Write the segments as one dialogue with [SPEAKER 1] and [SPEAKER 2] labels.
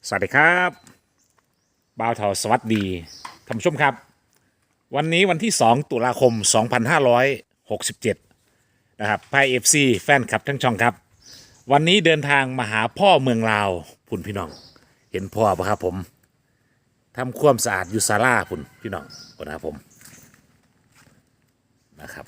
[SPEAKER 1] สวัสดีครับบ่าวเถาสวัสดีท่านผู้ชมครับวันนี้วันที่2ตุลาคม2567นะครับไพ่เอฟซีแฟนคลับทั้งช่องครับวันนี้เดินทางมาหาพ่อเมืองลาวพุ่นพี่น้องเห็นพ่อปะครับผมทำความสะอาดอยู่ศาลาพุ่นพี่น้องพุ่นนะครับผมนะครับ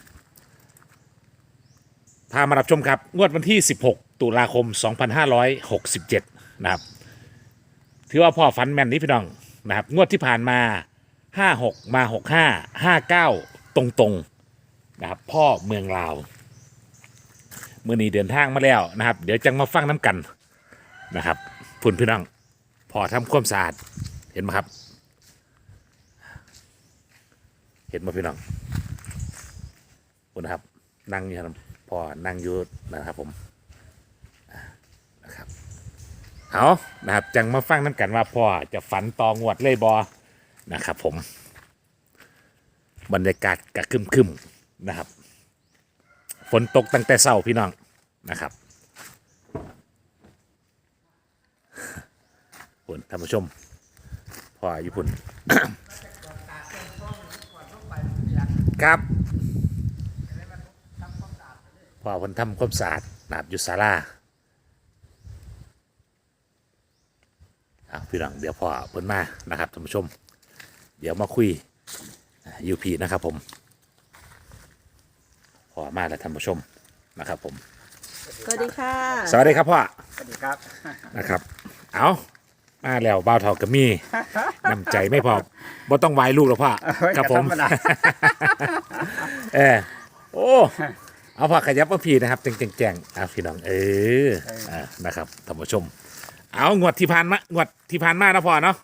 [SPEAKER 1] พามารับชมครับงวดวันที่16ตุลาคม2567นะครับถือว่าพ่อฝันแม่นนี้พี่น้องนะครับงวดที่ผ่านมา56มา65 59ตรงๆนะครับพ่อเมืองลาวเมื่อนี้เดินทางมาแล้วนะครับเดี๋ยวจังมาฟังน้ำกันนะครับพุ่นพี่น้องพ่อทำความสะอาดเห็นไหมครับเห็นไหมพี่น้องพุ่นนะครับนั่งอยู่ครับพ่อนั่งอยู่นะครับผมนะครับเอานะครับจังมาฟังน้ำกันว่าพ่อจะฝันตองวดเลยบอนะครับผมบรรยากาศกะครึมๆนะครับฝนตกตั้งแต่เช้าพี่น้องนะครับพุ่นท่านผู้ชมพ่ออยู่พุ่น ครับพ่อเพิ่นทำความสะอาดนะครับอยู่ศาลาพี่น้องเดี๋ยวพ่อเพิ่นมานะครับท่านผู้ชมเดี๋ยวมาคุยยูพีนะครับผมพ่อมาแล้วท่านผู้ชมนะครับผม
[SPEAKER 2] สวัสดีค่ะ
[SPEAKER 1] สวัสดีครับพ่อ
[SPEAKER 3] สวัสดีครับ
[SPEAKER 1] นะครับเอามาแล้วบ่าวเฒ่ากับมีน้ำใจไม่พอบ่ต้องไหวลูกหรอกพ่อครับผมโอ้เอาพ่อขยับมาพี่นะครับแจงพี่น้องนะครับท่านผู้ชมเอางวดที่ผ่านมานะพ่อเนาะ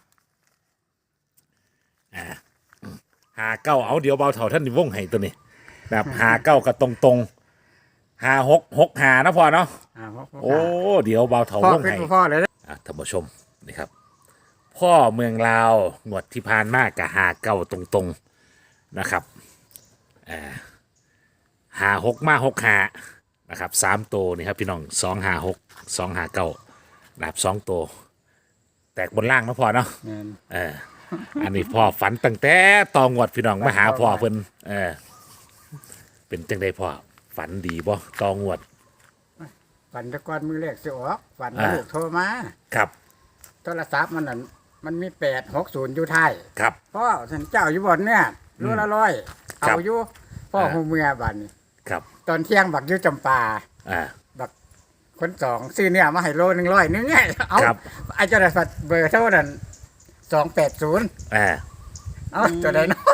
[SPEAKER 1] หาเก้าเอาเดี๋ยวเบาเถ่าท่านนิวงให้ตัวนี้นะครับหาเก้ากับตรงหาหกหานะพ่อเนาะโอ้เดี๋ยวเบาเถ่าวงให้
[SPEAKER 3] พ่อเลย
[SPEAKER 1] ท่านผู้ชมนี่ครับพ่อเมืองลาวงวดที่ผ่านมากับหาเก้าตรงนะครับหาหกมาหกหานะครับ3ตัวนี่ครับพี่น้อง256 259นะครับ2ตัวแตกบนล่างนะพ่อเนาะอันนี้พ่อฝันตั้งแต่ตองวดพี่น้องมาหาพ่อเพิ่นเป็นจังไดพ่อฝันดีบ่ตองวด
[SPEAKER 3] ฝันตะกอนมือแรกสิออกฝันลูกโทรมา
[SPEAKER 1] ครับ
[SPEAKER 3] โทรศัพท์มันนั่นมันมี860อยู่ท้าย
[SPEAKER 1] ครับ
[SPEAKER 3] พ่อฉันเจ้าอยู่บ่อนเนี่ยรู้ละร้อยเอาอยู่พ่อฮู้เมื่อบัดนี้
[SPEAKER 1] ครับ
[SPEAKER 3] ตอนเที่ยงบักอยู่จำปาบักคนสองซื้อเนี่ยมาให้โล100นึงไงเอาไอ้เจ้าได้เบอร์เท่านั้น280เอาตัวใดเนาะ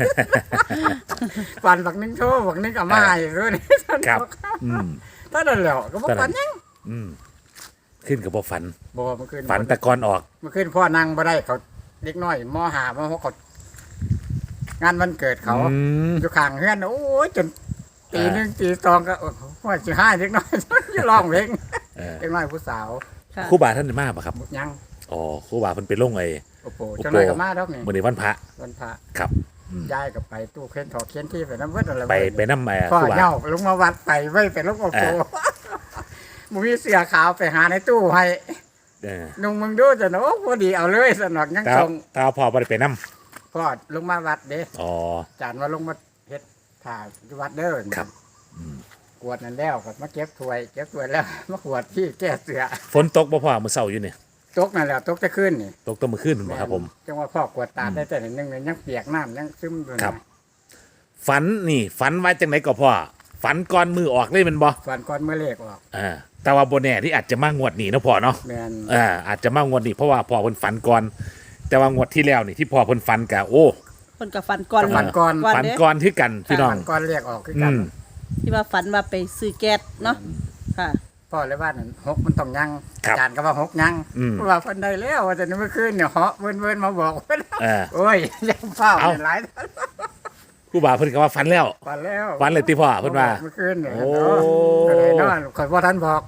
[SPEAKER 3] ฝันบักนึงโทรบักนึงเอามาให้รู้นี่
[SPEAKER 1] ครับ
[SPEAKER 3] ตอนนั้นแล้วก็บ่ฝันยัง
[SPEAKER 1] ขึ้นกับบ่ฝัน
[SPEAKER 3] บ่เมื่อคืน
[SPEAKER 1] ฝันแต่ก่อนออก
[SPEAKER 3] เมื่อคืนพ่อนั่งบ่ได้เขาเด็กน้อยม.5 ม.6เขางานวันเกิดเขาอยู่ข้างเฮือนโอ้ยจนตี 1 ตี 2ก็ว่าสิ5เด็กน้อยอยู่ร้องเพลงเด็กน้อยผู้สาว
[SPEAKER 1] ครูบาท่านมาบ่ครับ
[SPEAKER 3] ยัง
[SPEAKER 1] อ๋อครูบาเพิ่นไปลงไอ้
[SPEAKER 3] โอ้โหจังได๋ก็มาดอกนี่
[SPEAKER 1] มื้อนี้วันพระครับ
[SPEAKER 3] ย้ายก็ไปตู้เข็นถอเข็นที่ไปนำเบิดอะไร
[SPEAKER 1] ไปนำ
[SPEAKER 3] ครูบาเฮาลงมาวัดไปไว้ไปลงโอ้โหบ่มีเสื้อขาวไปหาในตู้ให้นุ่งมึงดูจะเนาะพอดีเอาเลยสนอกยังส่ง
[SPEAKER 1] ถ้าพ่อบ่ได้ไปนำ
[SPEAKER 3] พ่อลงมาวัดเด้
[SPEAKER 1] อ๋อ
[SPEAKER 3] จานว่าลงมาเฮ็ดถ่ายอยู่วัดเด้อ
[SPEAKER 1] ครับ
[SPEAKER 3] กวดนั่นแล้วก็มาเก็บถ้วยแล้วมาขวดที่แก้เสื้อ
[SPEAKER 1] ฝนตกบ่พ่อมื้อเช้าอยู่นี่
[SPEAKER 3] ตกนั่นแหละตกจะขึ้นนี่
[SPEAKER 1] ตกมื้อคืนบ่ครับผม
[SPEAKER 3] จังว่าพ่อกวดตาได้แต่นึงยังเปียกน้ำยังซึมอยู่
[SPEAKER 1] ครับฝันว่าจังได๋ก็พ่อฝันก่อนมือออกเลยแม่นบ่
[SPEAKER 3] ฝันก่อนมื้อเลขออก
[SPEAKER 1] แต่ว่าบ่แน่ที่อาจจะมางวดนี้เนาะพ่อเนาะ
[SPEAKER 3] แม่น
[SPEAKER 1] อาจจะมางวดนี้เพราะว่าพ่อเพิ่นฝันก่อนแต่ว่างวดที่แล้วนี่ที่พ่อเพิ่นฝันก็โอ้
[SPEAKER 2] เพิ่นก็ฝันก่อน
[SPEAKER 1] ฝันก่อนคือกันพี่น้องฝัน
[SPEAKER 3] ก่อนเลขออกคือกัน
[SPEAKER 2] ที่ว่าฝันว่าไปซื้อแก๊สเนาะค่ะ
[SPEAKER 3] พ่อเลยว่านั่น6มันต้องยังจานก็ว่า6ยังเพราะว่าเพิ่นได้แล้วว่าแต่เมื่อคืนเนี่ยเหาะเวิ้นมาบอกเพิ่นโอ้ยยังเฝ้าหลาย
[SPEAKER 1] ครูบาเพิ่นก็ว่าฝันแล้วฝันเลยติพ่อเพิ่นว่า
[SPEAKER 3] เมื่อคืนเนี่ยโอ้ยนอนข่อยบ่ทันบอก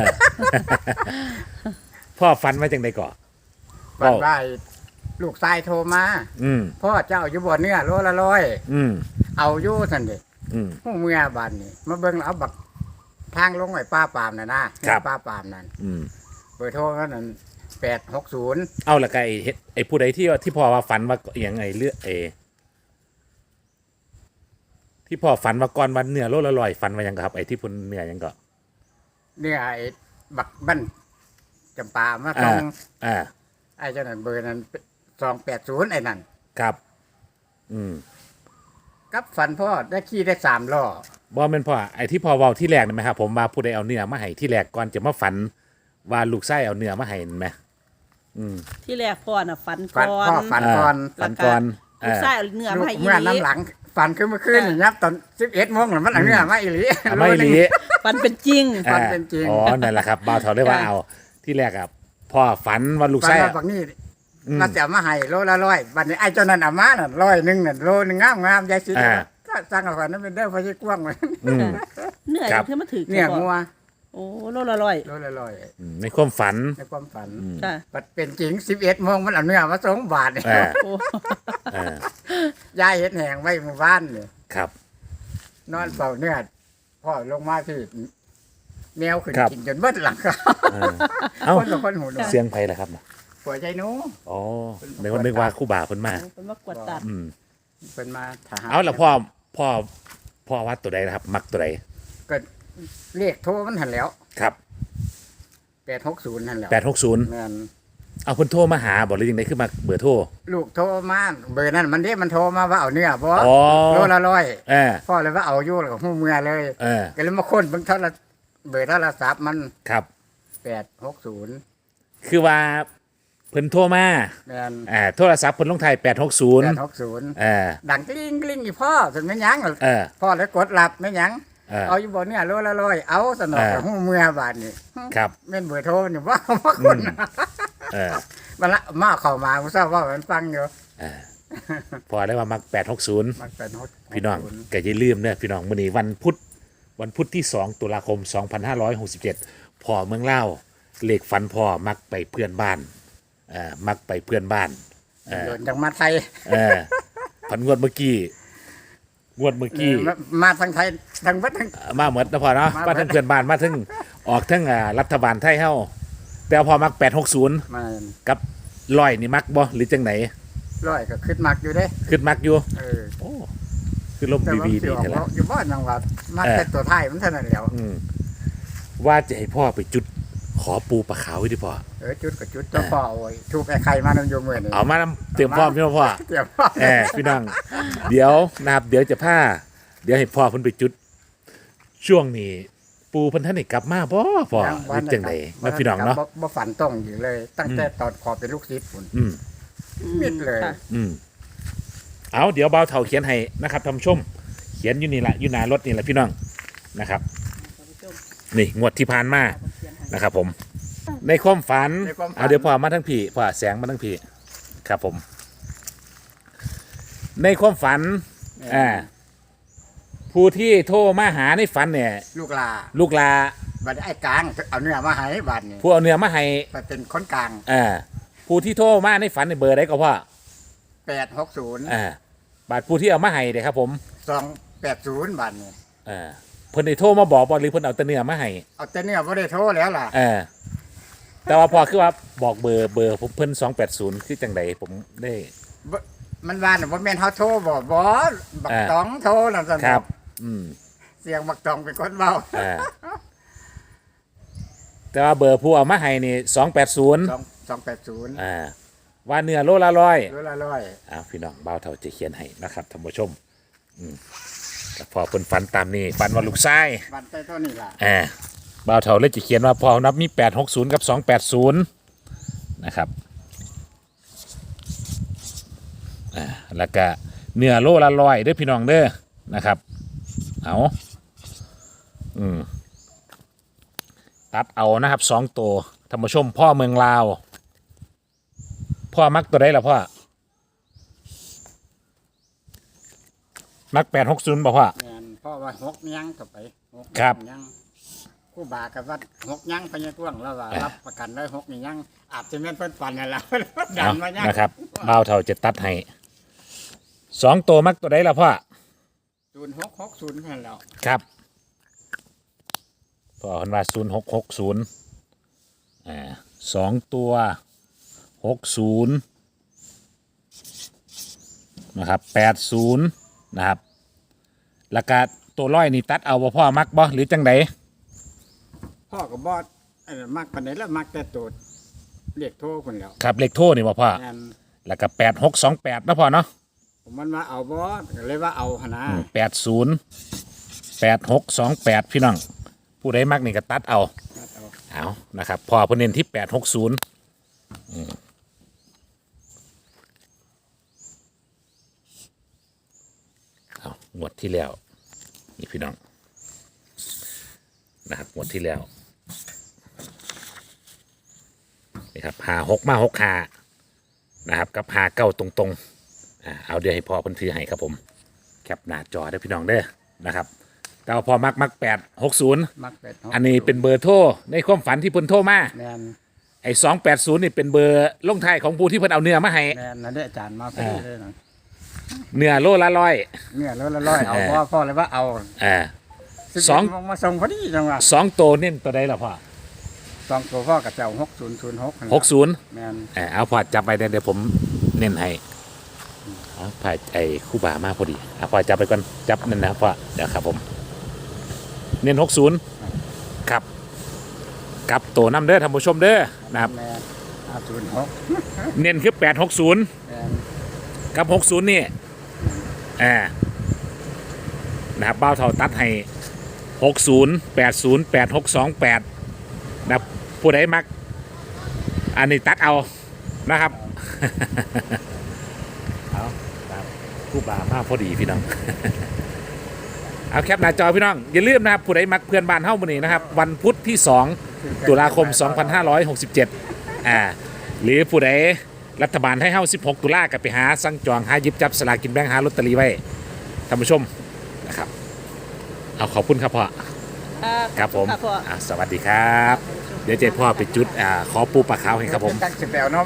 [SPEAKER 1] พ่อฝันว่าจังได๋ก่อ
[SPEAKER 3] ฝันว่าลูกชายโทรมาพ่อเจ้าอยู่บ่เนื้อโลละ100เอาอยู่ซั่นเด้ฮู้เมื่อบัดนี้มาเบิ่งแล้วเอาบักทางลงไว้ป้าปามน่ะนะป้าปามนั่นเบอร์โทรนั่น 860
[SPEAKER 1] เอาละก็ไอ้เฮ็ดไอ้ผู้ใดที่พ่อว่าฝันว่าอหยังไงเลือที่พ่อฝันว่าก่อนวันเนื้อโลละร้อยฝันว่าหยังครับไอ้ที่พุ่นเนื้อหยังก็
[SPEAKER 3] เนี่ยไอ้บักบั้นจำปามาตร
[SPEAKER 1] อ่าง อ่า
[SPEAKER 3] ไอ้เจ้านั่นเบอร์นั้น280ไอ้นั่น
[SPEAKER 1] ครับ อืม
[SPEAKER 3] กับฝันพ่อได้ขี่ได้3ล้อ
[SPEAKER 1] บ่แม่นพ่อไอ้ที่พ่อเว้าที่แรกนั่นไหมครับผมว่าผู้ใดเอาเนื้อมาให้ที่แรกก่อนจะมาฝันว่าลูกไส้เอาเนื้อมาให้นั่นไหม
[SPEAKER 2] ที่แรกพ่อน่ะฝัน
[SPEAKER 3] ฝัน
[SPEAKER 2] ก่อน
[SPEAKER 3] พ่อฝันก่อน
[SPEAKER 1] ฝันก่อน
[SPEAKER 2] ลูกชายเอาเนื้อมาให้อี
[SPEAKER 3] เมื่อ
[SPEAKER 2] หลี
[SPEAKER 3] น้ำหลังฝันขึ้นเมื่อคืนนี่ครับตอน11 โมงแล้วมันเอาเนื้อมาอีหลี
[SPEAKER 1] เอาไม่หลี
[SPEAKER 2] ฝันเป็นจริง
[SPEAKER 3] ฝันเป็นจริง
[SPEAKER 1] อ๋อนั่นแหละครับบ่าวเถาได้ว่าเอาที่แรกอ่ะพ่อฝันว่าลูก
[SPEAKER 3] ฝัน
[SPEAKER 1] ไส้
[SPEAKER 3] ว่าบักนี่มันจะเอามาให้โลละ100บัดนี้ไอ้เจ้านั่นเอามาน่ะ100นึงน่ะโลนึงงามๆยายสิก็สั่งเอาก่อนนั้นเป็นเด้อพอสิกว้างไว้
[SPEAKER 1] อืม
[SPEAKER 2] เนื้อ
[SPEAKER 1] ครับ
[SPEAKER 2] ที่มันถือ
[SPEAKER 3] เนี่ย
[SPEAKER 2] พ่อ
[SPEAKER 3] งัว
[SPEAKER 2] โอ้โลละร้อย
[SPEAKER 3] โลละร้อย
[SPEAKER 1] ในความฝัน
[SPEAKER 3] ในความฝัน
[SPEAKER 2] ค่ะ
[SPEAKER 3] บัดเป็นจริง11 โมงมันเอาเนื้อมา2 บาทเนี่ย
[SPEAKER 1] อ่า
[SPEAKER 2] โอ้
[SPEAKER 1] อ่าย
[SPEAKER 3] ายเฮ็ดแหงไว้หมู่บ้านเนี่ย
[SPEAKER 1] ครับ
[SPEAKER 3] นอนเฝ้าเนื้อพ่อลงมาที่แมวขึ้น
[SPEAKER 1] ครับ
[SPEAKER 3] กินจนเบิดหลังคา
[SPEAKER 1] เออเอ้า
[SPEAKER 3] คนละคนหูหนวก
[SPEAKER 1] เสียงไผล่ะครับน่ะ
[SPEAKER 3] ผัวใจหนู
[SPEAKER 1] อ๋อในวันนึกว่าครู่บ่าเพิ่นมา
[SPEAKER 2] เป็นว่ากวดตัด
[SPEAKER 1] อืม
[SPEAKER 3] เป็นมาทหาร
[SPEAKER 1] เอาละพ่อวัดตัวใดนะครับ มักตัวใด
[SPEAKER 3] ก็เรียกโทรมันหันแล้ว
[SPEAKER 1] ครับ
[SPEAKER 3] 860หันแล้ว
[SPEAKER 1] 860
[SPEAKER 3] แม่น
[SPEAKER 1] เอาเพิ่นโทรมาหาบ่หรือยังไงคือมาเบอร์โทร
[SPEAKER 3] ลูกโทรมาเบอร์นั้นมันเรียกมันโทรมาว่าเอาเนื้อบ่
[SPEAKER 1] อ๋อ
[SPEAKER 3] โลละร้อย
[SPEAKER 1] เออ
[SPEAKER 3] พ่อเลยว่าเอาอยู่แล้วก็หูเมื่อเลย
[SPEAKER 1] เออ
[SPEAKER 3] ก็เลยมาค้นเบิ่งเบอร์โทรศัพท์มัน
[SPEAKER 1] ครับ
[SPEAKER 3] 860
[SPEAKER 1] คือว่าเพิ่นโทรมา
[SPEAKER 3] แม่น
[SPEAKER 1] โทรศัพท์เพิ่นลงท้าย860
[SPEAKER 3] 860
[SPEAKER 1] เออ
[SPEAKER 3] ดังกลิ้งกลิ้งอีพ่อถึงไม่ยั้ง
[SPEAKER 1] เออ
[SPEAKER 3] พ่อเลยกดรับไม่ยั้ง
[SPEAKER 1] เออ
[SPEAKER 3] เอาอยู่บ่เนี่ยโลละร้อยเอาสนอกกับหูเมื่อบาทนี่
[SPEAKER 1] ครับ
[SPEAKER 3] แม่นเบอร์โทรนี่ว่ามาคน
[SPEAKER 1] เออ
[SPEAKER 3] มันละมาเข้ามาผู้ทราบว่ามันฟังอยู่
[SPEAKER 1] พอได้ว่ามัก860
[SPEAKER 3] มันเป็นฮอต
[SPEAKER 1] พี่น้องก็อย่าลืมเด้อพี่น้องมื้อนี้วันพุธที่2ตุลาคม2567พ่อเมืองลาวเลขฝันพ่อมักไปเพื่อนบ้านมักไปเพื่อนบ้าน
[SPEAKER 3] โดนจังมาไทย
[SPEAKER 1] ฝันงวดเมื่อกี้
[SPEAKER 3] มาทางไทยทางวัดทาง
[SPEAKER 1] มาเหมือนนะพ่อเนาะ
[SPEAKER 3] มา
[SPEAKER 1] มาทั้งเพื่อนบ้านมาทั้งออกทั้งรัฐบาลไทยเฮาแต่ว่าพอมัก860
[SPEAKER 3] มา
[SPEAKER 1] กับร้อยนี่มักบ่หรือจังไหน
[SPEAKER 3] ร้อยก็ขึ้นมักอยู่เด้
[SPEAKER 1] ขึ้นมักอยู่
[SPEAKER 3] เออ
[SPEAKER 1] โอ้คือลม
[SPEAKER 3] แต่ว่า
[SPEAKER 1] ดี
[SPEAKER 3] มันสิ
[SPEAKER 1] ดี
[SPEAKER 3] ออก
[SPEAKER 1] แท้ละ
[SPEAKER 3] อยู่บ้านจังหวัดมาแต่ตัวไทยมันเท่านั้นแหล้ว
[SPEAKER 1] ว่าจะให้พ่อไปจุดขอปูปลาขาวไว้ดิพ่อ
[SPEAKER 3] จุดกับจุดเจ้าพ่อโอ้ยถูกไอ้ไข่มานำโยมมื้อนี่
[SPEAKER 1] เอามานำเตรียมพร้อมพี่น้องพ่อ
[SPEAKER 3] เตรียมพ่อ
[SPEAKER 1] พี่น้องเดี๋ยวนะครับเดี๋ยวจะเดี๋ยวให้พ่อเพิ่นไปจุด ช่วงนี้ปูเพิ่นท่านได้กลับมาบ่พ่อหรือจังไดนะพี่น้องเนาะ
[SPEAKER 3] บ่ฝันต้องอยู่เลย ตั้งแต่ตอนขอเป็นลูกศิษย์พุ่น
[SPEAKER 1] อืม
[SPEAKER 3] มิดเลย
[SPEAKER 2] ค่ะ
[SPEAKER 1] เอาเดี๋ยวเบาเท่าเขียนให้นะครับท่านผู้ชม เขียนอยู่นี่แหละอยู่หน้ารถนี่แหละพี่น้องนะครับ นี่งวดที่ผ่านมานะครับผม ในความฝันเอาเดี๋ยวพ่อมาทั้งพี่พ่อแสงมาทั้งพี่ครับผม ในความฝันผู้ที่โทรมาหาในฝันเนี่ย
[SPEAKER 3] ลูกลา
[SPEAKER 1] ลูกลา
[SPEAKER 3] บัดนี้ไอ้กลางเอาเนื้อมาให้บัดนี้
[SPEAKER 1] ผู้เอาเนื้อมาให้
[SPEAKER 3] ไปเป็นคนกลาง
[SPEAKER 1] ผู้ที่โทรมาในฝันในเบอร์ใดก็พ่อ
[SPEAKER 3] 860
[SPEAKER 1] บาทผู้ที่เอามาให้เด้ครับผม
[SPEAKER 3] 280บัดนี้
[SPEAKER 1] เพิ่นได้โทรมาบอกบ่หรือเพิ่นเอาแต่เนื้อมาให้
[SPEAKER 3] เอาแต่เนื้อบ่ได้โทรแล้วล่ะ
[SPEAKER 1] แต่ว่าพอคือว่าบอกเบอร์ผมเพิ่น280คือจังไดผมได้
[SPEAKER 3] มันว่าน่ะบ่แม่นเฮาโทรบ่บักตองโทรนั่นซั่น
[SPEAKER 1] ครับ
[SPEAKER 3] เสียงบักตองเป็นคนเว้า
[SPEAKER 1] แต่ว่าเบอร์ผู้เอามาให้นี่280
[SPEAKER 3] 280
[SPEAKER 1] ว่าเนื้อโลละร้อย
[SPEAKER 3] โลละ100
[SPEAKER 1] พี่น้องเบาเท่าจะเขียนให้นะครับท่านผู้ชมแต่พอเพิ่นฝันตามนี้ฝันว่าลูกชาย
[SPEAKER 3] บัดแต่เท่านี้ล่ะ
[SPEAKER 1] เบาเท่าเลยจะเขียนว่าพอนับมี860กับ280นะครับแล้วก็เนื้อโลละร้อยเด้อพี่น้องเด้อนะครับเอาตัดเอานะครับ2ตัวท่านผู้ชมพ่อเมืองลาวพ่อมักตัวใดล่ะพ่อมัก860บ่พ่อ
[SPEAKER 3] แม่นเพราะว่า6ยังต่อไป6
[SPEAKER 1] ครับ
[SPEAKER 3] ยังครูบากับว่า6ยังพญาต้วงแล้วว่ารับประกันได้6นี่ยังอาจจะแม่นเพิ่นฝันนั่นล่ะ ดันมายัง
[SPEAKER 1] นะครับบ่าวเท่าจะตัดให้2ตัวมักตัวใดล่ะพ่อ
[SPEAKER 3] 0660นั่นแล้ว
[SPEAKER 1] ครับพ่อเพิ่นว่า0660 2ตัว 60นะครับ80นะครับแล้วก็ตัวร้อยนี่ตัดเอาบ่พ่อมักบ่หรือจังได
[SPEAKER 3] พ่อกับบอสมักปานไหนแล้วมักแต่ตัวเรียกโทรคนแล้ว
[SPEAKER 1] ครับเลขโทรนี่บ่พ่อ
[SPEAKER 3] แม่น
[SPEAKER 1] แล้วก็8628นะพ่อเนาะ
[SPEAKER 3] ผมมันว่าเอาบอสก็เลยว่าเอาหนนะ
[SPEAKER 1] 808628พี่น้องผู้ใดมักนี่ก็ตัดเอา
[SPEAKER 3] เอา
[SPEAKER 1] เอานะครับพ่อเพิ่นเน้นที่860เอางวดที่แล้วนี่พี่น้องนะครับงวดที่แล้วนี่ครับ56มา65นะครับกับ59ตรงๆเอาเดี๋ยวให้พ่อเพิ่นถือให้ครับผมแคปหน้าจอได้อพี่น้องเด้อนะครับแต่ว่าพอมัก860
[SPEAKER 3] มักเป็ด
[SPEAKER 1] อันนี้เป็นเบอร์โทรในความฝันที่เพิ่นโทรมา
[SPEAKER 3] แม่น
[SPEAKER 1] ไอ้280นี่เป็นเบอร์ลงท้ายของผู้ที่เพิ่นเอาเนื้อมาให้
[SPEAKER 3] แม่นนั่นเด้ออาจารย์มาพอดีเลยนะ
[SPEAKER 1] เนื้อโลละร้อย
[SPEAKER 3] เนี่ยแล้วละร้อยเอาพ่อเลยว่าเอา
[SPEAKER 1] สอง
[SPEAKER 3] 11มาส่งพอดีจังหวะ
[SPEAKER 1] 2ตัวเน้นตัวใดล่ะพ่อ
[SPEAKER 3] สองตัวพ่อกับเจ้า6006
[SPEAKER 1] 60
[SPEAKER 3] แม่น
[SPEAKER 1] เอาพ่อจับไปเดี๋ยวผมเน้นให้เอาพ่อไอ้คู่บ่ามาพอดีพ่อจับไปก่อนจับนั่นนะพ่อเดี๋ยวครับผมเน้น60ครับกับตัวน้ำเด้อท่านผู้ชมเด้อนะครับ
[SPEAKER 3] แม่น06
[SPEAKER 1] เน้นคือ860
[SPEAKER 3] แม่น
[SPEAKER 1] กับ60นี่นะครับเบ้าเท่าตัดให้60 80 8628นะครับผู้ใดมักอันนี้ตัดเอานะครับ เอาครับคู่บ่ามากพอดีพี่น้อง เอาแคปหน้าจอพี่น้องอย่าลืมนะครับผู้ใดมักเพื่อนบ้านเฮ้ามื้อนี้นะครับวันพุธที่ 2 ตุลาคม 2567หรือผู้ใดรัฐบาลให้เฮ้า16 ตุลาก็ไปหาสั่งจองหาหยิบจับสลากกินแบ่งหาลอตเตอรี่ไว้ท่านผู้ชมนะครับเอาขอบคุณครับพ่อครับผม
[SPEAKER 2] ค่ะพ่อ
[SPEAKER 1] สวัสดีครับ เดี๋ยวเจพ่อไปจุดขอปูปลาขาวให้ครับผม
[SPEAKER 3] จักสิแปลวเนาะ